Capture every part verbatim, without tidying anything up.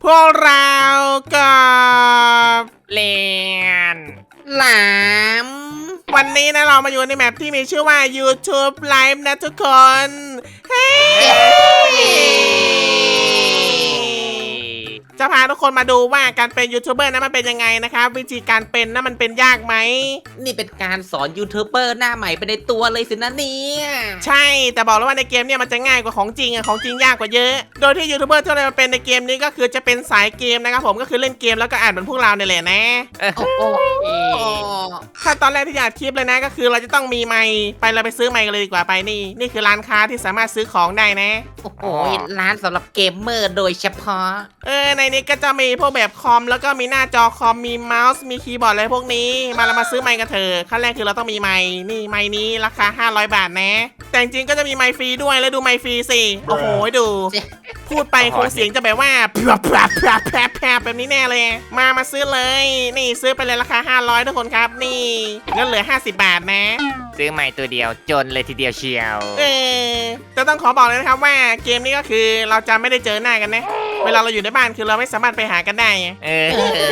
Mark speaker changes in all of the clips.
Speaker 1: พวกเรากับ
Speaker 2: เลียน
Speaker 3: หลาม
Speaker 1: วันนี้นะเรามาอยู่ในแมปที่มีชื่อว่า YouTube Live นะทุกคน เฮ้จะพาทุกคนมาดูว่าการเป็นยูทูบเบอร์นั้นมันเป็นยังไงนะครับวิธีการเป็นนั้นมันเป็นยากไหม
Speaker 3: นี่เป็นการสอนยูทูบเบอร์หน้าใหม่ไปในตัวเลยสินะเนี่ย
Speaker 1: ใช่แต่บอกแล้วว่าในเกมเนี่ยมันจะง่ายกว่าของจริงอะของจริงยากกว่าเยอะโดยที่ยูทูบเบอร์ที่เราเป็นในเกมนี้ก็คือจะเป็นสายเกมนะครับผมก็คือเล่นเกมแล้วก็อ่านเหมือนพวกเราเนี่ยแหละนะ
Speaker 3: โอ้โห
Speaker 1: ขั้นตอนแรกที่อยากคลิปเลยนะก็คือเราจะต้องมีไมค์ไปเราไปซื้อไมค์กันเลยดีกว่าไปนี่นี่คือร้านค้าที่สามารถซื้อของได้นะ
Speaker 3: โอ้โหร้านสำหรับเกมเมอร์โดยเฉพาะ
Speaker 1: เออในนี้ก็จะมีพวกแบบคอมแล้วก็มีหน้าจอคอมมีเมาส์มีคีย์บอร์ดอะไรพวกนี้มาเรามาซื้อไมค์กันเถอะขั้นแรกคือเราต้องมีไมค์นี่ไมค์นี้ราคาห้าร้อยบาทนะแต่จริงๆก็จะมีไมค์ฟรีด้วยแล้วดูไมค์ฟรีสิโอ้โหดูพูดไปคงเสียงจะแบบว่าแผลบแผลบแผลบแผลบแผลบแบบนี้แน่เลยมามาซื้อเลยนี่ซื้อไปเลยราคาห้าร้อยทุกคนครับนี่เงินเหลือห้าสิบบาทนะ
Speaker 2: ซื้อใหม่ตัวเดียวจนเลยทีเดียวเชียว
Speaker 1: เออจะต้องขอบอกเลยนะครับว่าเกมนี้ก็คือเราจะไม่ได้เจอหน้ากันนะเวลาเราอยู่ในบ้านคือเราไม่สามารถไปหากันได้
Speaker 2: เออ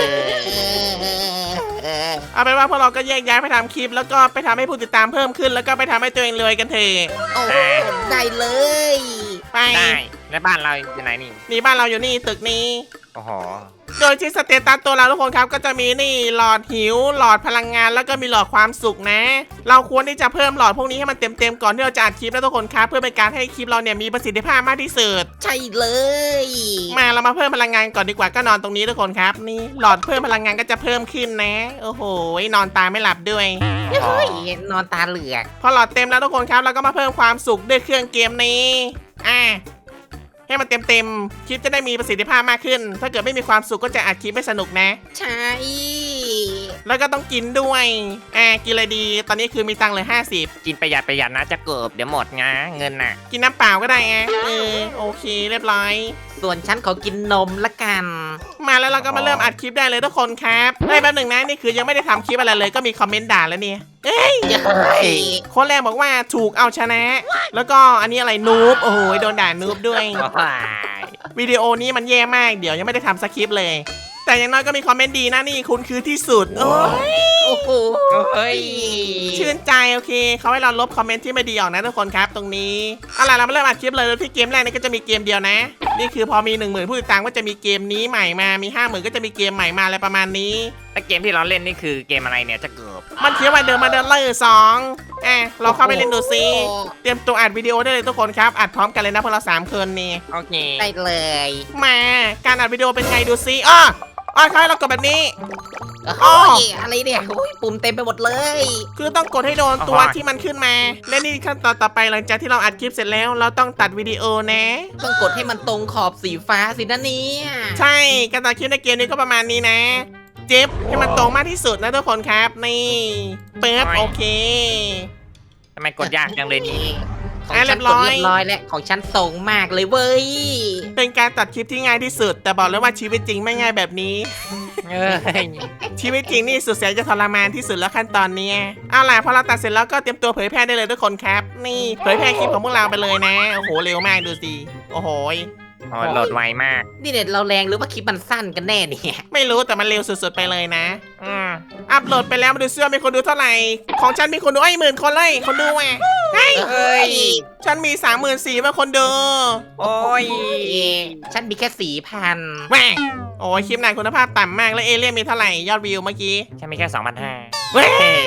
Speaker 1: เอาเป็นว่าพวกเราก็แยกย้ายไปทำคลิปแล้วก็ไปทำให้ผู้ติดตามเพิ่มขึ้นแล้วก็ไปทำให้ตัวเองรวยกันเถอะ
Speaker 3: โอ้ได้เลย
Speaker 1: ไป
Speaker 2: ได้แล้วบ้านเราอยู่ไหนนี่
Speaker 1: นี่บ้านเราอยู่นี่ตึกนี้
Speaker 2: โอ้โห
Speaker 1: โดยที่สเตตัสตัวเราทุกคนครับก็จะมีนี่หลอดหิวหลอดพลังงานแล้วก็มีหลอดความสุขนะเราควรที่จะเพิ่มหลอดพวกนี้ให้มันเต็มๆก่อนที่เราจะอัดคลิปนะทุกคนครับเพื่อเป็นการให้คลิปเราเนี่ยมีประสิทธิภาพมากที่สุด
Speaker 3: ใช่เลย
Speaker 1: มาเรามาเพิ่มพลังงานก่อนดีกว่าก็นอนตรงนี้ทุกคนครับนี่หลอดเพิ่มพลังงานก็จะเพิ่มขึ้นนะโอ้โหนอนตาไม่หลับด้วย
Speaker 3: เฮ้ยนอนตาเหลือก
Speaker 1: พอหลอดเต็มแล้วทุกคนครับเราก็มาเพิ่มความสุขด้วยเครื่องเกมนี้อ่ะให้มันเต็มๆคลิปจะได้มีประสิทธิภาพมากขึ้นถ้าเกิดไม่มีความสุขก็จะอัดคลิปไม่สนุกนะ
Speaker 3: ใช่
Speaker 1: แล้วก็ต้องกินด้วยอ่ากินอะไรดีตอนนี้คือมีตังค์เลยห้าสิบ
Speaker 2: กินประหยัดประหยัดนะจะเกิบเดี๋ยวหมดงะเงินน่ะ
Speaker 1: กินน้ำเปล่าก็ได้ไงเออโอเคเรียบร้อย
Speaker 3: ส่วนฉันขอกินนมละกัน
Speaker 1: มาแล้วเราก็มาเริ่มอัดคลิปได้เลยทุกคนครับเฮ้ยแป๊บหนึ่งนะนี่คือยังไม่ได้ทำคลิปอะไรเลยก็มีคอมเมนต์ด่าแล้วเนี่ยเอ้ยคนแรกบอกว่าถูกเอาชนะแล้วก็อันนี้อะไรนูบโอ้โหโดนด่านูบด้วยวิดีโอนี้มันแย่มากเดี๋ยวยังไม่ได้ทำสคริปต์เลยแต่อย่างน้อยก็มีคอมเมนต์ดีนะนี่คุณคือที่สุดโอ้
Speaker 3: โอ้โห
Speaker 1: ชื่นใจโอเคเขาให้เราลบคอมเมนต์ที่ไม่ดีออกนะทุกคนครับตรงนี้เอาล่ะเรามาเริ่มอัดคลิปเลยที่เกมแรกนี่ก็จะมีเกมเดียวนะนี่คือพอมีหนึ่งหมื่นผู้ติดตามก็จะมีเกมนี้ใหม่มามีห้าหมื่นก็จะมีเกมใหม่มาอะไรประมาณนี้
Speaker 2: แต่เกมที่เราเล่นนี่คือเกมอะไรเนี่ยจะเกิบ
Speaker 1: มันเขียนว่าเดิมมาเดินเลอร์สองอ่ะเราเข้าไปเล่นดูซิเตรียมตัวอัดวิดีโอได้เลยทุกคนครับอัดพร้อมกันเลยนะพวกเราสามคนนี่
Speaker 2: โอเค
Speaker 3: ได้เลย
Speaker 1: มาการอัดวิดีโอเป็นไงดูซิอ้ออ๋อใครเรากดแบบนี้
Speaker 3: อ๋ออะไรเนี่ยปุ่มเต็มไปหมดเลย
Speaker 1: คือต้องกดให้โดนตัวที่มันขึ้นมาและนี่ขั้นตอนต่อไปหลังจากที่เราอัดคลิปเสร็จแล้วเราต้องตัดวิดีโอนะ
Speaker 3: ต้องกดให้มันตรงขอบสีฟ้าสินะเนี่ย
Speaker 1: ใช่การตัดคลิปในเกมนี้ก็ประมาณนี้นะเจ็บให้มันตรงมากที่สุดนะทุกคนครับนี่เปิดโอเค
Speaker 2: ทำไมกดยากจังเลยนี่
Speaker 3: ของฉันกดเรียบร้อยแล้วของฉันตรงมากเลยเว้ย
Speaker 1: เป็นการตัดคลิปที่ง่ายที่สุดแต่บอกเลยว่าชีวิตจริงไม่ง่ายแบบนี้ชีวิตจริงนี่สุดแสนจะทรมานที่สุดแล้วขั้นตอนนี้เอาล่ะพอเราตัดเสร็จแล้วก็เตรียมตัวเผยแพร่ได้เลยทุกคนครับนี่เผยแพร่คลิปของพวกเราไปเลยนะโอ้โหเร็วมากดูสิโอ้โห
Speaker 2: อ๋อโหลดไวมาก
Speaker 3: นี่เน็ตเราแรงหรือว่าคลิปมันสั้นกันแน่เนี่ย
Speaker 1: ไม่รู้แต่มันเร็วสุดๆไปเลยนะอืมอัพโหลดไปแล้วมาดูเสื้อมีคนดูเท่าไหร่ของฉันมีคนดูไอ้หมื่นคนเลยคนดูอ่ะเฮ้ยเฮ้ยฉันมีสามหมื่นสี่ว่าคนดู
Speaker 2: โอ้ย
Speaker 3: ฉันมีแค่สี่พัน
Speaker 1: แม่โอ้ยคลิปนายคุณภาพต่ำมากแล้วเอเลี่ยนมีเท่าไหร่ยอดวิวเมื่อกี้
Speaker 2: ฉันมีแค่สองพันห้า
Speaker 1: เว้ย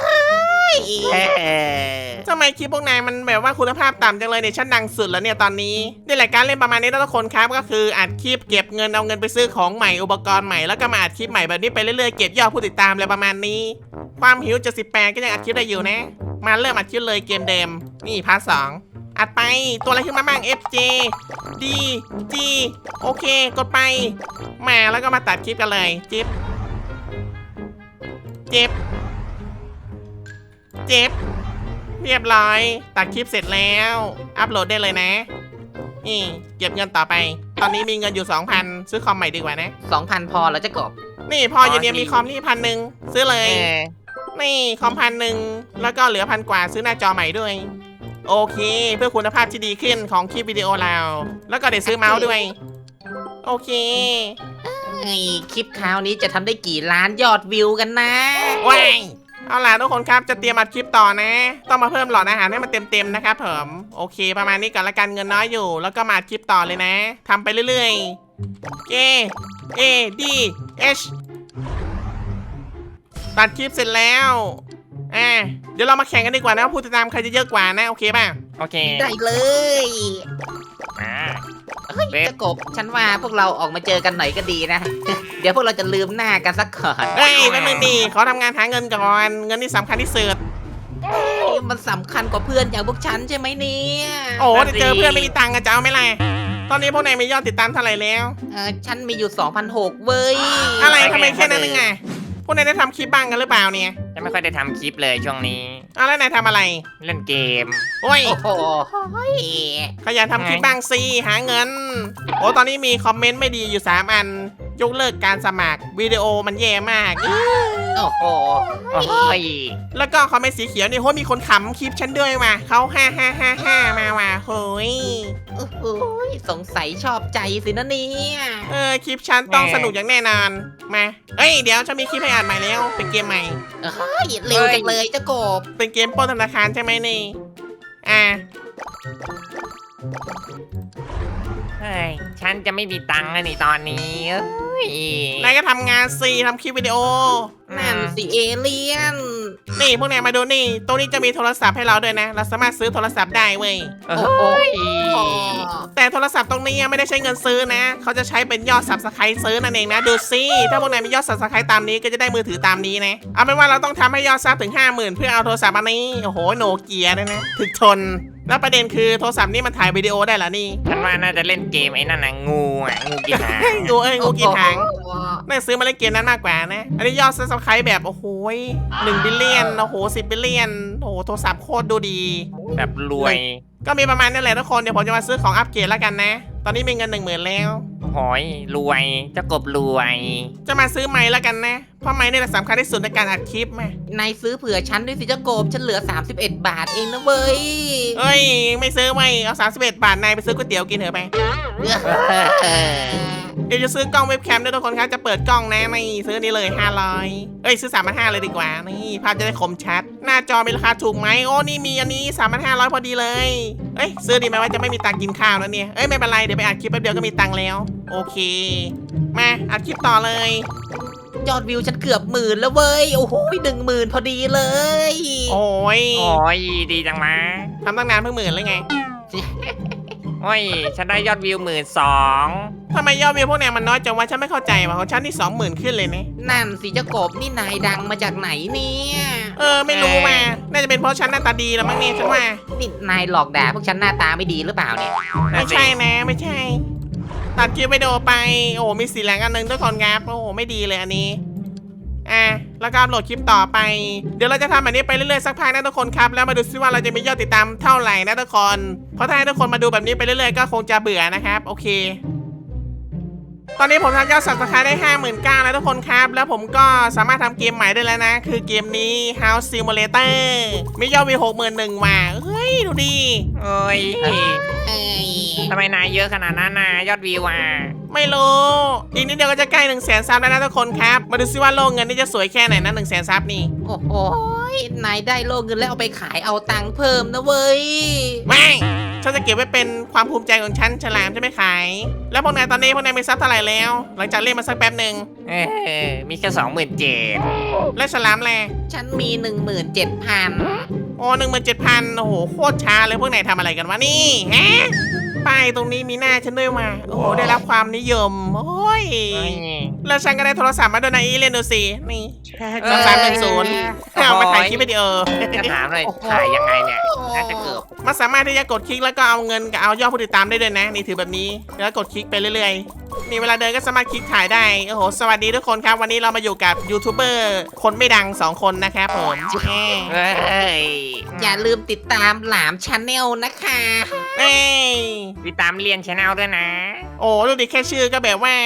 Speaker 1: ทำไมคลิปพวกนายมันแบบว่าคุณภาพต่ำจังเลยเนี่ยฉันดังสุดแล้วเนี่ยตอนนี้นี่แหละการเล่นประมาณนี้ทุกคนครับก็คืออัดคลิปเก็บเงินเอาเงินไปซื้อของใหม่อุปกรณ์ใหม่แล้วก็มาอัดคลิปใหม่แบบนี้ไปเรื่อยๆเก็บยอดผู้ติดตามอะไรประมาณนี้ความหิวจะสิบแปดก็ยังอัดคลิปได้อยู่นะมาเริ่มอัดคลิปเลยเกมเดิมนี่พาร์ทสองอัดไปตัวอะไรขึ้นมาบ้าง F J D G โอเคกดไปมาแล้วก็มาตัดคลิปกันเลยจิ๊บเจ็บเจ็บเรียบร้อยตัดคลิปเสร็จแล้วอัปโหลดได้เลยนะนี่เก็บเงินต่อไปตอนนี้มีเงินอยู่ สองพัน ซื้อคอมใหม่ดีกว่านะ
Speaker 3: สองพัน พอแล้วจะกบ
Speaker 1: นี่พออยู่เนี่ยมีคอมนี่พันหนึ่งซื้อเลยนี่คอมพันหนึ่งแล้วก็เหลือพันกว่าซื้อหน้าจอใหม่ด้วยโอเคเพื่อคุณภาพที่ดีขึ้นของคลิปวิดีโอเราแล้วก็เดี๋ยวซื้อเมาส์ด้วยโอเค
Speaker 3: ไอ้คลิปคราวนี้จะทำได้กี่ล้านยอดวิวกันนะ
Speaker 1: ว้ายเอาล่ะทุกคนครับจะเตรียมอัดคลิปต่อนะ ต้องมาเพิ่มหลอดอาหารให้มันเต็มๆนะครับผมโอเค ประมาณนี้ก่อนละกันเงินน้อยอยู่ แล้วก็มาอัดคลิปต่อเลยนะทำไปเรื่อยๆ A A D H ตัดคลิปเสร็จแล้วอ่ะเดี๋ยวเรามาแข่งกันดีกว่านะว่าผู้ติดตามใครจะเยอะกว่านะโอเคป่ะ
Speaker 2: โอเค
Speaker 3: ได้เลย
Speaker 2: มา
Speaker 3: เฮ้ย
Speaker 2: เว็บ
Speaker 3: เจ้ากบฉันว่าพวกเราออกมาเจอกันหน่อยก็ดีนะ เดี๋ยวพวกเราจะลืมหน้ากันสักก่อน
Speaker 1: เฮ้ยแป๊บนึงดิขอทำงานหาเงินก่อนเงินนี่สำคัญที่สุด
Speaker 3: มันสำคัญกว่าเพื่อนอย่างพวกฉันใช่ไหมเนี่ย
Speaker 1: โอ้เดี๋ยวเจอเพื่อนไม่มีตังค์อะจะเอาไหมล่ะตอนนี้พวกนายมียอดติดตามเท่าไหร่แล้ว
Speaker 3: เออฉันมีอยู่ สองพันหกร้อย เว้ย
Speaker 1: อะไรทำไมแค่นั้นนึงอะพวกนายได้ทำคลิปบ้างกันหรือเปล่าเนี่ย
Speaker 2: จะไม่ค่อยได้ทำคลิปเลยช่วงนี้
Speaker 1: อ้าวแล้วนายทำอะไร
Speaker 2: เล่นเกม
Speaker 1: โอ้ย
Speaker 3: โอ้โหเฮ้ย
Speaker 1: ขยันทำคลิปบ้างสิหาเงิน โอ้ตอนนี้มีคอมเมนต์ไม่ดีอยู่สามอัน ยกเลิกการสมัครวิดีโอมันแย่มาก
Speaker 3: โอ้โห
Speaker 2: โอ้ย
Speaker 1: แล้วก็คอมเมนต์สีเขียวนี่โหมีคนขำคลิปฉันด้วยว่ะเขาห้าห้าห้าห้ามาว่ะโหย
Speaker 3: โอ้โหสงสัยชอบใจสินะเนี่ย
Speaker 1: เออคลิปฉันต้องสนุกอย่างแน่นอนมาเอ้ยเดี๋ยวฉันมีคลิปให้อ่านใหม่แล้วเป็นเกมใหม่
Speaker 3: เฮ้ยเร็วจังเลยเจ้ากบ
Speaker 1: เป็นเกมปล้นธนาคารใช่ไหมนี่อ่า
Speaker 2: เฮ้ย ฉันจะไม่มีตังค์อะนี่ตอนนี้เอ้ย
Speaker 1: นายก็ทำงานสิทำคลิปวิดีโอ
Speaker 3: นั่นสิเอเลียน
Speaker 1: นี่พวกนายมาดูนี่ตรงนี้จะมีโทรศัพท์ให้เราด้วยนะ เราสามารถซื้อโทรศัพท์ได้เว้ย
Speaker 2: โอ้ย
Speaker 1: แต่โทรศัพท์ตรงนี้ไม่ได้ใช้เงินซื้อนะ เขาจะใช้เป็นยอดสับสไครต์ซื้อนั่นเองนะ ดูสิถ้าพวกนายมียอดสับสไครต์ตามนี้ก็จะได้มือถือตามนี้นะ เอาเป็นว่าเราต้องทำให้ยอดซับถึง ห้าหมื่น เพื่อเอาโทรศัพท์อันนี้ โอ้โหโนเกียด้วยนะ ถึกทน แล้วประเด็นคือโทรศัพท์นี่มันถ่ายวิดีโอได้เหรอนี่
Speaker 2: ฉันว่าน่าจะเล่นเกมไอ้นั่นน่ะงูอ่ะงูกีฬา
Speaker 1: งูเอ้ยงูกี่หาง
Speaker 3: โอ้โห
Speaker 1: น่าซื้อมาเล่นเกมนั้นมากกว่านะ อันนี้ยอดซับสไครต์แบบโอ้โหหนึ่งบิลเลียนโอ้โหสิบบิลเลียนโอ้โหโทรศัพท์โคตรดูดี
Speaker 2: แบบรวย
Speaker 1: ก็มีประมาณนี้แหละทุกคนเดี๋ยวผมจะมาซื้อของอัปเกรดแล้วกันนะ ตอนนี้มีเงินหนึ่งหมื่นแล้ว
Speaker 2: หอยรวยเจ้ากบรวย
Speaker 1: จะมาซื้อไม้แล้วกันนะ เพราะไม้นี่แหละสำคัญที่สุดในการอัดคลิปมาน
Speaker 3: ายซื้อเผื่อฉันด้วยสิเจ้ากบฉันเหลือ สามสิบเอ็ด บาทเองนะเว้ย
Speaker 1: เอ้ย ไม่ซื้อไว้เอาสามสิบเอ็ดบาทนายไปซื้อก๋วยเตี๋ยวกินเถอะไป เดี๋ยวจะซื้อกล้องเว็บแคมด้วยทุกคนครับ จะเปิดกล้องนะนี่ซื้อนี่เลยห้าร้อยเอ้ยซื้อสามพันห้าเลยดีกว่า นี่ภาพจะได้คมชัด หน้าจอมีราคาถูกไหมโอ้นี่มีอันนี้สามพันห้าร้อยพอดีเลย เอ้ยซื้อดีไหมว่าจะไม่มีตังค์กินข้าวแล้วเนี่ย เอ้ยไม่เป็นไรเดี๋ยวไปอัดคลิปแป๊บเดียวก็มีตังค์แล้ว โอเค มาอัดคลิปต่อเลย
Speaker 3: ยอดวิวฉันเกือบหมื่นแล้วเว้ย โอ้โหหนึ่งหมื่นพอดีเลย
Speaker 1: โอ้ย
Speaker 2: โอ้ยดีจังมา
Speaker 1: ทำตั้งนานเพิ่งหมื่นเลยไง
Speaker 2: โอ้ยฉันได้ยอดวิวหมื่นสอง
Speaker 1: ทำไมยอดวิวพวกเนี้ยมันน้อยจังวะฉันไม่เข้าใจว่ะของฉันนี่สองหมื่นขึ้นเลยนะ
Speaker 3: นั่นสิเจ้ากบนี่นายดังมาจากไหนเนี่ย
Speaker 1: เออไม่รู้มาน่าจะเป็นเพราะฉันหน้าตาดีแล้วมั้งเนี่ยฉันว่า
Speaker 3: นี่นายหลอกด่าพวกฉันหน้าตาไม่ดีหรือเปล่าเนี่ย
Speaker 1: ไม่ใช่นะไม่ใช่ ตัดคลิปวิดีโอไป โอ้โหมีสีแหลงอันหนึงทุกคนครับโอ้โหไม่ดีเลยอันนี้อ่ะแล้วก็อัปโหลดคลิปต่อไป เดี๋ยวเราจะทำแบบนี้ไปเรื่อยๆสักพักนะทุกคนครับแล้วมาดูซิว่าเราจะมียอดติดตามเท่าไหร่นะทุกคนเพราะถ้าให้ทุกคนมาดูแบบนี้ไปเรื่อยๆก็คงจะเบื่อนะครับโอเค ตอนนี้ผมทำยอดสับสไครต์ได้ ห้าหมื่นเก้าพัน แล้วทุกคนครับ แล้วผมก็สามารถทำเกมใหม่ได้แล้วนะ คือเกมนี้ House Simulator มียอดวิว หกหมื่นหนึ่ง ว่ะเฮ้ยดูดิ
Speaker 2: โอ้ย
Speaker 3: เอ้ย
Speaker 2: ทำไมนายเยอะขนาดนั้นน่ะยอดวิวอ่ะ
Speaker 1: ไม่รู้ อีกนิดเดียวก็จะใกล้1 0 0 0 0แสนซับแล้วนะทุกคนครับ มาดูซิว่าโลกเงินนี่จะสวยแค่ไหนนะ1 0 0 0 0แสนซับนี่
Speaker 3: โอ้โหนายได้โลเงินแล้วเอาไปขายเอาตังค์เพิ่มนะเว้ย
Speaker 1: ไม่ฉันจะเก็บไว้เป็นความภูมิใจของฉันฉลามจะไม่ขาย แล้วพวกนายตอนนี้พวกนายมีซับเท่าไหร่แล้ว หลังจากเล่นมาสักแป๊บหนึ่ง
Speaker 2: เออมีแค่สองหมื่นเจ็ด
Speaker 1: และฉลามแล
Speaker 3: ฉันมี หนึ่งหมื่นเจ็ดพัน
Speaker 1: โอ้หนึ่งหมื่นเจ็ดพันโอ้โหโคตรช้าเลยพวกนายทำอะไรกันวะนี่ฮะป้ายตรงนี้มีหน้าฉันด้วยมาโอ้โหได้รับความนิยมโอ้ยแล้วฉันก็ได้โทรศัพท์มาด้วยนะอีเล่นดูสินี่ สองสามหนึ่งศูนย์ เอามาถ่ายคลิปวิดีโอ
Speaker 2: จะถามเลยถ่ายยังไงเนี่ยน่าจะเกือบ
Speaker 1: มันสามารถที่จะกดคลิกแล้วก็เอาเงินกับเอายอดผู้ติดตามได้ด้วยนะนี่ถือแบบนี้แล้วกดคลิกไปเรื่อยๆนี่เวลาเดินก็สามารถคลิกถ่ายได้โอ้โหสวัสดีทุกคนครับวันนี้เรามาอยู่กับยูทูบเบอร์คนไม่ดังสองคนนะครับผมแหม
Speaker 2: เฮ้ย
Speaker 3: อย่าลืมติดตามหลามชาแนลนะคะ
Speaker 1: เอ้ย
Speaker 2: ติดตามเรียนชแนลด้วยนะ
Speaker 1: โอ้ดูดิแค่ชื่อก็แบบว่า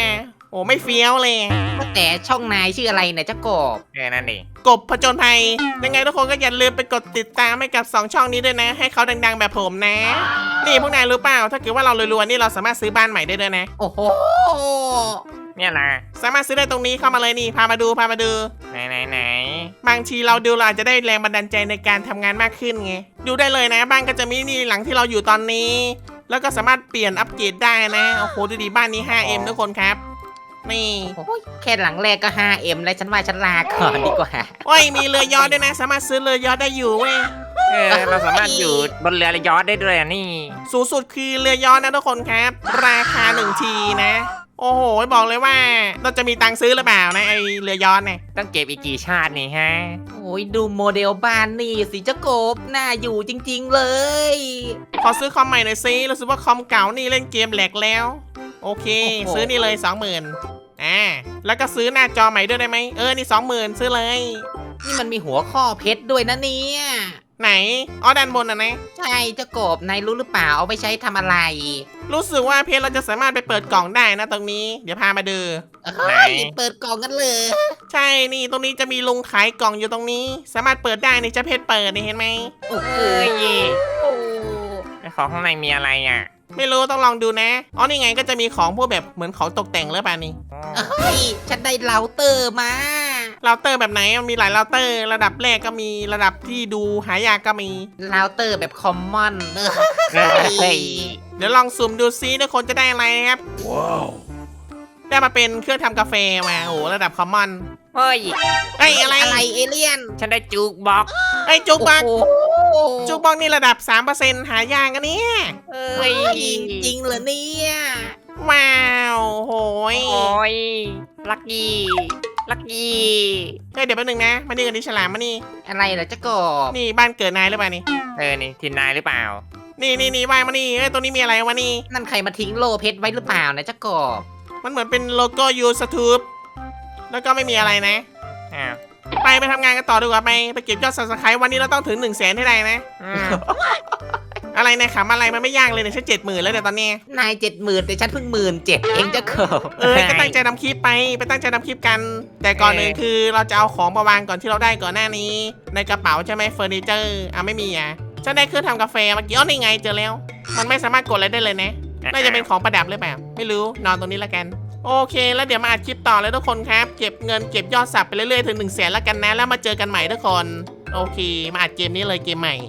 Speaker 1: โอ้ไม่เฟี้ยวเลย
Speaker 3: ว่าแต่ช่องนายชื่ออะไรเนี่ยเจ้ากบ
Speaker 2: เออนั่นดิ
Speaker 1: กบผจญภัยยังไงทุกคนก็อย่าลืมไปกดติดตามให้กับสองช่องนี้ด้วยนะ ให้เขาดังๆแบบผมนะ นี่พวกนายรู้เปล่าถ้าเกิดว่าเรารวยๆนี่เราสามารถซื้อบ้านใหม่ได้ด้วยนะ
Speaker 3: โอ้โห
Speaker 2: เนี่ยล่ะ
Speaker 1: สามารถซื้อได้ตรงนี้เข้ามาเลยนี่พามาดูพามาดู
Speaker 2: ไหนไหนไหน
Speaker 1: บางทีเราดูเราอาจจะได้แรงบันดาลใจในการทำงานมากขึ้นไงดูได้เลยนะบ้านก็จะมีนี่หลังที่เราอยู่ตอนนี้ แล้วก็สามารถเปลี่ยนอัปเกรดได้นะโอ้โหดูดีบ้านนี้ ไฟว์ เอ็ม ทุกคนครับนี่
Speaker 3: โอ้ยแค่หลังแรกก็ ไฟว์ เอ็ม แล้วฉันว่าฉันลาก่อนดีกว่า
Speaker 1: โอ้ยมีเรือยอชต์ด้วยนะ สามารถซื้อเรือยอชต์ได้อยู่เว้ย
Speaker 2: เออเราสามารถอยู่บนเรือยอชต์ได้ด้วยอ่ะนี่
Speaker 1: สูงสุดคือเรือยอชต์นะทุกคนครับ ราคาหนึ่งทีนะ โอ้โหบอกเลยว่าเราจะมีตังค์ซื้อหรือเปล่านะไอเรือยอชต์เนี่ย
Speaker 2: ต้องเก็บอีกกี่ชาตินี่ฮะ
Speaker 3: โอ้ยดูโมเดลบ้านนี่สิเจ้ากบน่าอยู่จริงๆเลย
Speaker 1: ขอซื้อคอมใหม่หน่อยซิรู้สึกว่าคอมเก่านี่เล่นเกมแหลกแล้ว โอเค ซื้อนี่เลย สองหมื่นอ่าแล้วก็ซื้อหน้าจอใหม่ด้วยได้ไหมเออนี่ สองหมื่นซื้อเลย
Speaker 3: นี่มันมีหัวข้อเพชรด้วยนะเนี่ย
Speaker 1: ไหนอ๋อด้านบนนะนะ
Speaker 3: ใช่เจ้ากบนายรู้หรือเปล่าเอาไปใช้ทำอะไร
Speaker 1: รู้สึกว่าเพจเราจะสามารถไปเปิดกล่องได้นะตรงนี้ เดี๋ยวพามาดู
Speaker 3: เฮ้ยเปิดกล่องกันเลย
Speaker 1: ใช่นี่ตรงนี้จะมีลุงขายกล่องอยู่ตรงนี้ สามารถเปิดได้ในเจ้าเพจเปิดนี่เห็นไหม
Speaker 3: โอ้โห
Speaker 2: เอ้ย
Speaker 3: โอ้
Speaker 2: ไอ้ของข้างในมีอะไรอ่ะ
Speaker 1: ไม่รู้ต้องลองดูนะอ๋อนี่ไงก็จะมีของพวกแบบเหมือนของตกแต่งหรือเปล่านี่
Speaker 2: อ๋อ
Speaker 3: เฮ้ยฉันได้เราเตอร์มา
Speaker 1: เราเตอร์แบบไหนมันมีหลายเราเตอร์ ระดับแรกก็มีระดับที่ดูหายากก็มี
Speaker 3: เราเตอร์แบบคอมมอนเออ
Speaker 2: เฮ้ย
Speaker 1: เดี๋ยวลองสุ่มดูซิทุกคนจะได้อะไรนะครับได้มาเป็นเครื่องทำกาแฟมาโอ้โหระดับคอมมอน
Speaker 2: เฮ้ย
Speaker 1: เอ้ยอะไร
Speaker 3: อะไรเอเลี่ยน
Speaker 2: ฉันได้จูกบ็อกซ์
Speaker 1: เอ้ยจุกบัก
Speaker 3: โอ้โห
Speaker 1: จุกบักนี่ระดับ สามเปอร์เซ็นต์ หายากกันเนี่ย
Speaker 2: เอ้
Speaker 3: เฮ้
Speaker 2: ย
Speaker 3: ยจริงเหรอเนี่ย
Speaker 1: ว้าวโหย
Speaker 2: โอ้ยลักกี้ลักกี้
Speaker 1: เฮ้ยเดี๋ยวแป๊บนึงนะมานี่กันดิฉลามมานี่
Speaker 3: อะไรเหรอเจ้ากบ
Speaker 1: นี่บ้านเกิดนายหรือเปล่านี่
Speaker 2: เออนี่ทินนายหรือเปล่า
Speaker 1: นี่นี่นี่ว่างมานี่เอ้ยตัวนี้มีอะไรวะนี่
Speaker 3: นั่นใครมาทิ้งโลเพชรไว้หรือเปล่านะเจ้ากบ
Speaker 1: มันเหมือนเป็นโลโก้ยูสทูบแล้วก็ไม่มีอะไรนะ
Speaker 2: อ้าว
Speaker 1: ไปไปทำงานกันต่อดีกว่าไปไปเก็บยอดสับสไครต์วันนี้เราต้องถึงหนึ่งแสนให้ได้นะ
Speaker 2: อืม
Speaker 1: อะไรนะขำอะไรมันไม่ยากเลยเนี่ยฉันเจ็ดหมื่นแล้วเนี่ยตอนนี้
Speaker 3: นายเจ็ดหมื่นแต่ฉันเพิ่งหมื่นเจ็ดเองเจ้ากบ
Speaker 1: เออก็ตั้งใจทำคลิปไปไปตั้งใจทำคลิปกัน แต่ก่อนหนึ่งคือเราจะเอาของมาวางก่อนที่เราได้ก่อนหน้านี้ ในกระเป๋าใช่ไหมเฟอร์นิเจอร์อ่ะไม่มีอ่ะฉันได้เครื่องทำกาแฟเมื่อกี้อ๋อนี่ไงเจอแล้ว มันไม่สามารถกดอะไรได้เลยนะน่าจะเป็นของประดับหรือเปล่าไม่รู้นอนตรงนี้ละกัน โอเค แล้วเดี๋ยวมาอัดคลิปต่อเลยทุกคนครับ เก็บเงินเก็บยอดสับไปเรื่อยๆถึงหนึ่งแสนแล้วกันนะ แล้วมาเจอกันใหม่ทุกคน โอเค มาอัดเกมนี้เลยเกมใหม่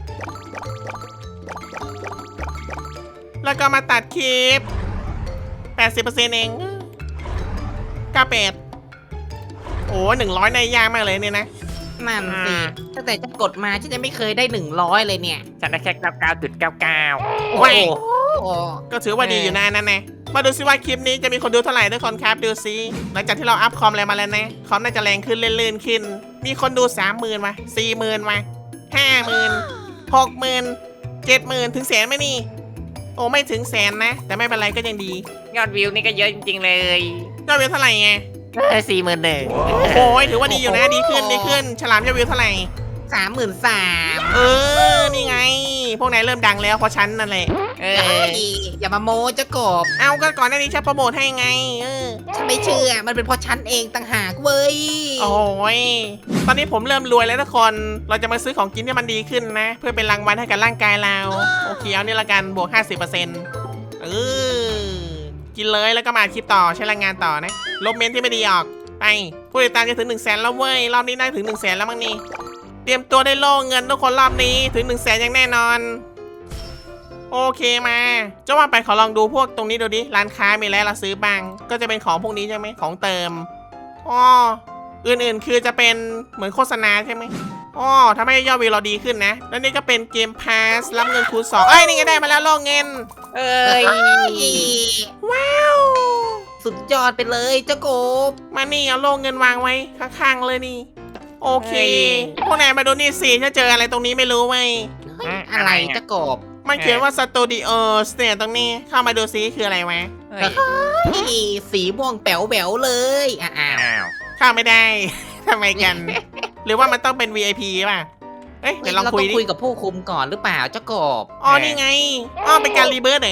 Speaker 1: แล้วก็มาตัดคลิป แปดสิบเปอร์เซ็นต์ เองเก้าสิบแปดโอ้หนึ่งร้อยในยากมากเลยเนี่ยนะ
Speaker 3: นั่นสิตั้งแต่ฉันกดมาฉันจะไม่เคยได้หนึ่งร้อยเลยเนี่ย
Speaker 2: ฉันได้แค่เก้าเก้าจุดเก้าเก้า
Speaker 3: โอ้
Speaker 1: ว้าย
Speaker 3: โห
Speaker 1: ก็ถือว่าดีอยู่นะนั่นนะมาดูซิว่าคลิปนี้จะมีคนดูเท่าไหร่ทุกคนครับดูซิหลังจากที่เราอัพคอมอะไรมาแล้วนะคอมน่าจะแรงขึ้นเลื่อนๆขึ้น มีคนดูสามหมื่นมาสี่หมื่นมาห้าหมื่นหกหมื่นเจ็ดหมื่นถึงแสนไหมนี่ โอ้ไม่ถึงแสนนะ แต่ไม่เป็นไรก็ยังดี
Speaker 2: ยอดวิวนี่ก็เยอะจริงๆเลย
Speaker 1: ยอดวิวเท่าไหร่ไง
Speaker 2: สี่หมื่นหนึ่ง
Speaker 1: โอ้โหถือว่าดีอยู่นะดีขึ้นดีขึ้น ฉลามยอดวิวเท่าไหร่
Speaker 3: สามหมื่นสาม
Speaker 1: เออนี่ไง พวกนายเริ่มดังแล้วเพราะฉันนั่นแหละ
Speaker 2: เอ
Speaker 3: เอ้
Speaker 2: อย
Speaker 3: อย่ามาโม้เจ้ากบ
Speaker 1: เอาก็ก่อนหน้านี้ฉันโปรโมทให้ไงเออ
Speaker 3: ฉันไม่เชื่อมันเป็นเพราะฉันเองต่างหากเว้ย
Speaker 1: โอ้ยตอนนี้ผมเริ่มรวยแล้วทุกคน เราจะมาซื้อของกินที่มันดีขึ้นนะ เพื่อเป็นรางวัลให้กับร่างกายเรา โอเคเอานี่ละกันบวก ห้าสิบเปอร์เซ็นต์ เออ กินเลยแล้วก็มาอัดคลิปต่อใช้แรงงานต่อนะ ลบเมนที่ไม่ดีออก ไป ผู้ติดตามจะถึง1นึ่งแสนแล้วเว้ย รอบนี้ได้ถึง1นึ่งแสนแล้วมั้งนี่ เตรียมตัวได้โล่เงินทุกคนรอบนี้ถึง1นึ่งแสนอย่างแน่นอน โอเคมาเจ้าว่าไปขอลองดูพวกตรงนี้ดูดิ ร้านค้ามีอะไรเราซื้อบ้าง ก็จะเป็นของพวกนี้ใช่ไหมของเติม อ๋อ อื่นๆ คือจะเป็นเหมือนโฆษณาใช่ไหมอ๋อทำให้ยอดวิวเราดีขึ้นนะ แล้วนี่ก็เป็นเกมพาสรับเงินคูณสองเอ้ย นี่ไงได้มาแล้วโล่เงิน
Speaker 2: เอ้ย
Speaker 1: ว้าว
Speaker 3: สุดยอดไปเลยเจ้ากบ
Speaker 1: มานี่เอาโล่เงินวางไว้ข้างๆเลยนี่ โอเค พวกนายมาดูนี่สิถ้าเจออะไรตรงนี้ไม่รู้ไหม
Speaker 3: เฮ้ยอะไรเจ้ากบ
Speaker 1: มันเขียนว่าสตูดิโอสเนี่ยตรงนี้ เข้ามาดูซิคืออะไรวะ
Speaker 2: เฮ้ย
Speaker 3: เฮ้ยสีม่วงแป๋วแป๋วๆเลยอ้าว
Speaker 2: อ้าว
Speaker 1: เข้าไม่ได้ ทำไมกัน หรือว่ามันต้องเป็น วี ไอ พี ป่ะ เอ้ยเดี๋ยวลอง
Speaker 3: เรา
Speaker 1: คุ
Speaker 3: ต้
Speaker 1: ย
Speaker 3: อง
Speaker 1: ดิ
Speaker 3: คุยกับผู้คุมก่อนหรือเปล่าเจ้ากบ
Speaker 1: อ๋อนี่ไง อ๋อเป็นการรีเบิร์ตเหรอ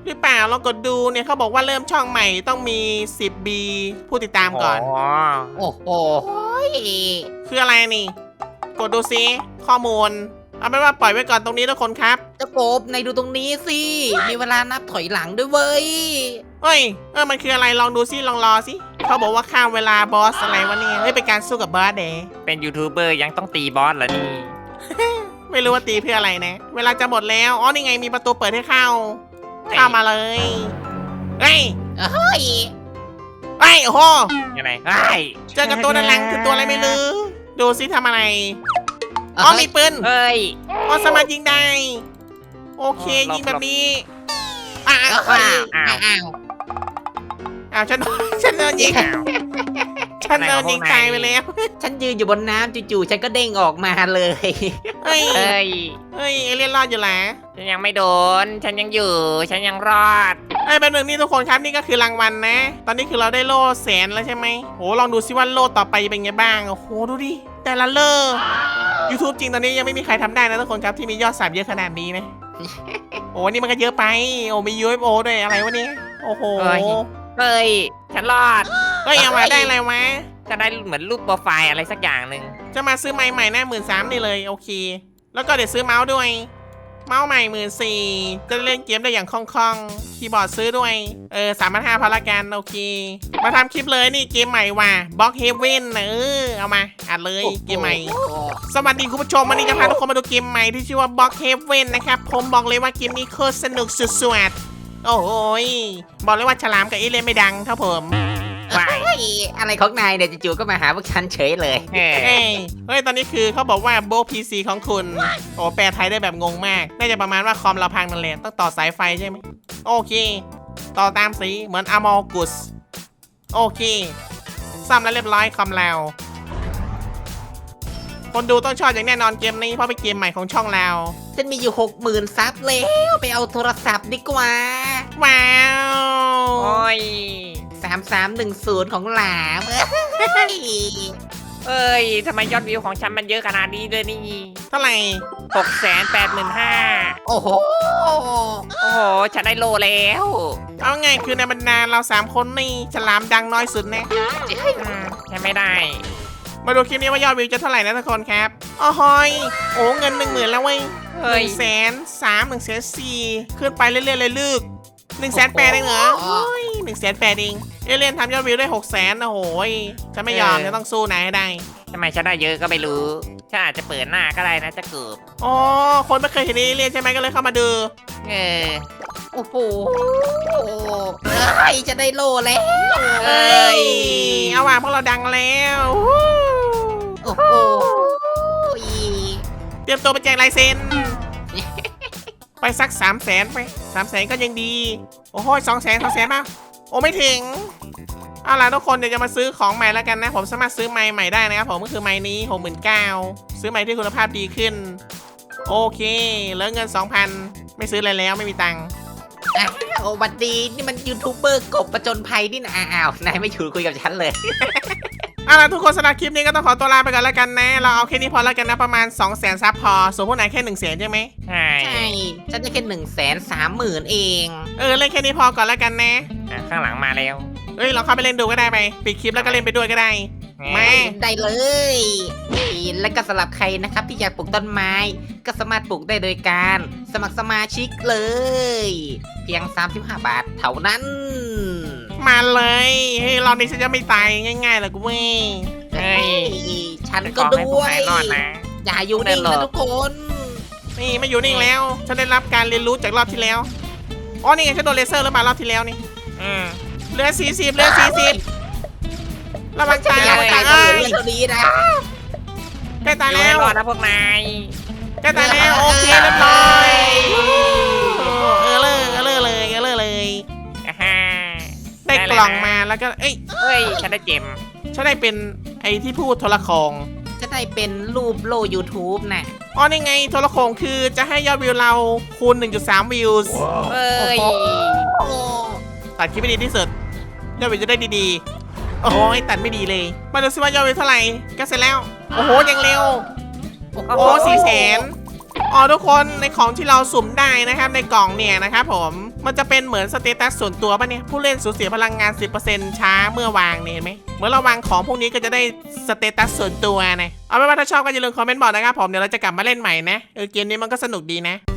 Speaker 1: หรือเปล่าลองกดดูเนี่ยเขาบอกว่าเริ่มช่องใหม่ต้องมี สิบ บี ผู้ติดตามก่อน
Speaker 2: โอ้
Speaker 3: โอ้โห
Speaker 1: คืออะไรนี่ กดดูซิข้อมูล เอาเป็นว่าปล่อยไว้ก่อนตรงนี้ทุกคนครับ
Speaker 3: เจ้ากบในดูตรงนี้สิ มีเวลานับถอยหลังด้วยเว้ย
Speaker 1: เฮ้ย เออ มันคืออะไร ลองดูซิ ลองรอซิเขาบอกว่าข้ามเวลาบอสอะไรวะเนี่ย เฮ้ย เป็นการสู้กับบอสเด
Speaker 2: เป็นยูทูบเบอร์ยังต้องตีบอสเหรอนี่
Speaker 1: ไม่รู้ว่าตีเพื่ออะไรนะ เวลาจะหมดแล้ว อ๋อ นี่ไง มีประตูเปิดให้เข้า เข้ามาเลย เฮ้ย
Speaker 3: เฮ้ย
Speaker 1: เฮ้ย โอ้โห
Speaker 2: ยังไงเฮ้ย
Speaker 1: เจอกับตัวด้านหลังคือตัวอะไรไม่รู้ ดูซิทำอะไร อ๋อ มีปืน
Speaker 2: เฮ้ย
Speaker 1: อ๋อ สามารถยิงได้ โอเค
Speaker 2: อ๋อหลบ
Speaker 1: ยิงแบบนี้อ้าว
Speaker 3: อ้า
Speaker 1: อ้าว
Speaker 3: วอ้าว
Speaker 1: อ้าวฉัน ฉันโดนยิง
Speaker 2: อ้าว
Speaker 1: ฉันโดนยิงตายไปแล้ว
Speaker 3: ฉันยืนอยู่บนน้ำจู่ๆฉันก็เด้งออกมาเลย
Speaker 1: เฮ้ย
Speaker 2: เฮ้ย
Speaker 1: เฮ้ย เอเลี่ยนรอดอยู่แหละ
Speaker 2: ฉันยังไม่โดน ฉันยังอยู่ ฉันยังรอด
Speaker 1: ไอ้ยเป็นหนึ่งนี่ทุกคนครับนี่ก็คือรางวัลนะ ตอนนี้คือเราได้โล่แสนแล้วใช่ไหมโหลองดูซิว่าโล่ต่อไปจะเป็นไงบ้าง โอ้โหดูดิ แต่ละเลอ YouTube จริงตอนนี้ยังไม่มีใครทำได้นะทุกคนครับที่มียอดสับเยอะขนาดนี้นะ โอ้นี่มันก็เยอะไป โอ้มี ยู เอฟ โอ ด้วยอะไรวะเนี่ย โอ้โห
Speaker 2: เฮ้ย เฮ้ย ฉันรอด
Speaker 1: เฮ้ยเอามาได้อะไรวะ
Speaker 2: ฉันได้เหมือนรูปโปรไฟล์อะไรสักอย่างหนึ่ง
Speaker 1: จะมาซื้อไม้ใหม่หน้าหมื่นสามนี่เลยโอเค แล้วก็เดี๋ยวซื้อเมาส์ด้วย เมาส์ใหม่หมื่นสี่จะเล่นเกมได้อย่างคล่องๆ คีย์บอร์ดซื้อด้วย เออสามพันห้าพอละกันโอเค มาทำคลิปเลยนี่เกมใหม่ว่ะบล็อกเฮเว่นเออเอามาอัดเลยเกมใหม่ สวัสดีคุณผู้ชมวันนี้จะพาทุกคนมาดูเกมใหม่ที่ชื่อว่าบล็อกเฮเว่นนะครับ ผมบอกเลยว่าเกมนี้โคตรสนุกสุดๆโอ้โหยบอกเลยว่าฉลามกับเอเลี่ยนไม่ดังครับผม
Speaker 2: ว้าย
Speaker 3: เฮ้ยอะไรของนายเนี่ยจู่ๆก็มาหาพวกฉันเฉยเลย
Speaker 2: เฮ้ย
Speaker 1: เฮ้ยเฮ้ย ตอนนี้คือเขาบอกว่าโบพีซีของคุณ โอ้แปลไทยได้แบบงงมาก น่าจะประมาณว่าคอมเราพังนั่นแหละต้องต่อสายไฟใช่ไหม โอเค ต่อตามสีเหมือนอมอกุส โอเคซ่อมแล้วเรียบร้อยคอมเรา คนดูต้องชอบอย่างแน่นอนเกมนี้เพราะเป็นเกมใหม่ของช่องเรา
Speaker 3: ฉันมีอยู่หกหมื่นซับแล้วไปเอาโทรศัพท์ดีกว่า
Speaker 1: ว้าว
Speaker 2: โอ้ย
Speaker 3: สามสามหนึ่งศูนย์ของหลามเฮ้ย
Speaker 2: เอ้ย ทำไมยอดวิวของฉันมันเยอะขนาดนี้เลยนี่
Speaker 1: เท่าไหร่
Speaker 2: หกแสนแปดหมื่นห้า
Speaker 3: โอ้โห
Speaker 2: โอ้โห ฉันได้โลแล้ว
Speaker 1: เอาไงคือในบรรดาเราสามคนนี่ฉลามดังน้อยสุดนะ
Speaker 2: อืมฉันไม่ได้
Speaker 1: มาดูคลิปนี้ว่ายอดวิวจะเท่าไหร่นะทุกคนครับอ๋อหอย โอ้เงินหนึ่งหมื่นแล้วเว้ยห
Speaker 2: เฮ้ย
Speaker 1: นึ่งแสนสามหนึ่งแสนสี่ขึ้นไปเรื่อยๆเลยลึกหนึ่งแสนแปดเองเหรอโอ้ยหนึ่งแสนแปดเองเอเลียนทำยอดวิวได้หกแสนนะโหยจะไม่ยอมจะต้องสู้นายให้ได้
Speaker 2: ทำไมฉันได้เยอะก็ไม่รู้ ฉันอาจจะเปิดหน้าก็ได้นะจะเกือบ
Speaker 1: อ๋อคนไม่เคยเห็นเอเลียนใช่ไหมก็เลยเข้ามาดู
Speaker 2: เออ
Speaker 3: โอ้โหเฮ้ยจะได้โลแล้ว
Speaker 1: เอ้ยเอาว่ะพวกเราดังแล้ว
Speaker 3: โอ้โห
Speaker 1: เตรียมตัวไปแจกลายเซ็น ไปสักสามแสนไปสามแสนก็ยังดี โอ้โหสองแสนสองแสนป่ะโอ้ไม่ถึง เอาล่ะทุกคนเดี๋ยวจะมาซื้อของใหม่แล้วกันนะ ผมสามารถซื้อไม้ใหม่ได้นะครับผมก็คือไม้นี้ หกหมื่นเก้าพัน ซื้อไม้ที่คุณภาพดีขึ้น โอเคเหลือเงิน สองพัน ไม่ซื้ออะไรแล้วไม่มีตังค์
Speaker 3: อ้าวบัดดีนี่มันยูทูบเบอร์กบประจนภัยนี่นะอ้าวนายไม่อยู่คุยกับฉันเลย
Speaker 1: เอาล่ะทุกคนสำหรับคลิปนี้ก็ต้องขอตัวลาไปก่อนแล้วกันนะ เราเอาแค่นี้พอแล้วกันนะประมาณ สองแสนซับพอส่วนพวกนายแค่ หนึ่งแสนใช่ไหม
Speaker 2: ใช่
Speaker 3: ใช่ ฉันได้แค่หนึ่งแสนสามหมื่นเอง
Speaker 1: เออเล่นแค่นี้พอก่อนแล้วกันนะ
Speaker 2: อ่ะข้างหลังมาแล้ว
Speaker 1: เอ้ยเราเข้าไปเล่นดูก็ได้ไปปิดคลิปแล้วก็เล่นไปด้วยก็ได้ มา
Speaker 3: ได้เลยแล้วก็สำหรับใครนะครับที่อยากปลูกต้นไม้ ก็สามารถปลูกได้โดยการสมัครสมาชิกเลย เพียงสามสิบห้าบาทเท่านั้น
Speaker 1: มาเลยเฮ้ยรอบนี้ฉันจะไม่ตายง่ายๆหรอกกูเว้ย
Speaker 2: เฮ้ย
Speaker 3: ฉัน
Speaker 2: ข
Speaker 3: ก็
Speaker 2: อให้พ
Speaker 3: ด้
Speaker 2: วก
Speaker 3: วย
Speaker 2: นายรอดนะ
Speaker 3: อย่าอยู่นิ่ง
Speaker 2: ได้หร
Speaker 3: นะ
Speaker 2: อ
Speaker 3: ทุกคน
Speaker 1: นี่ไม่อยู่นิ่งแล้ว ฉันได้รับการเรียนรู้จากรอบที่แล้ว อ๋อ นี่ไงฉันโดนเลเซอร์แล้วมารอบที่แล้วนี่
Speaker 2: อืม
Speaker 1: เหลือสี่สิบเหลือสี่สิบระวังตาย
Speaker 3: อ
Speaker 1: ระ
Speaker 3: ยาก
Speaker 1: วัง
Speaker 3: ตา
Speaker 1: ตาย ย
Speaker 3: ก็
Speaker 1: เอ้
Speaker 3: เหลือยเท่านี้นะ
Speaker 1: ใกล้ตาย
Speaker 2: อยู่
Speaker 1: แล้
Speaker 2: ให้
Speaker 1: ว
Speaker 2: รอดนะพวกนาย
Speaker 1: ใกล้ตายแล้วโอเคเรียบร้อยเออเลยเออเลยเลยเออเลยเลย
Speaker 2: อ่าฮ่า
Speaker 1: ได้กล่องมาแล้วก็ เอ้ย
Speaker 2: เฮ้ย ฉันได้เจม
Speaker 1: ฉันได้เป็นไอ้ที่พูดโทรโขง
Speaker 3: จะได้เป็นรูปโล YouTube น่ะ
Speaker 1: อ๋อ นี่ไงโทรโขงคือจะให้ยอดวิวเราคูณ หนึ่งจุดสาม วิวส์
Speaker 2: เฮ้ย
Speaker 3: โอ้
Speaker 1: ตัดคลิปไม่ดีที่สุดยอดวิวจะได้ดีๆ โอ้ยตัดไม่ดีเลย มาดูซิว่ายอดวิวเท่าไหร่ก็เสร็จแล้ว โอ้โหยังเร็ว โอ้สี่แสนอ๋อทุกคนในของที่เราสุ่มได้นะครับในกล่องเนี่ยนะครับผมมันจะเป็นเหมือนสเตตัสส่วนตัวป่ะเนี่ยผู้เล่นสูญเสียพลังงาน สิบเปอร์เซ็นต์ ช้าเมื่อวางเนี่ยเห็นไหมเมื่อเราวางของพวกนี้ก็จะได้สเตตัสส่วนตัวนะเอาเป็นว่าถ้าชอบก็อย่าลืมคอมเมนต์บอกนะครับผมเดี๋ยวเราจะกลับมาเล่นใหม่นะเออเกมนี้มันก็สนุกดีนะ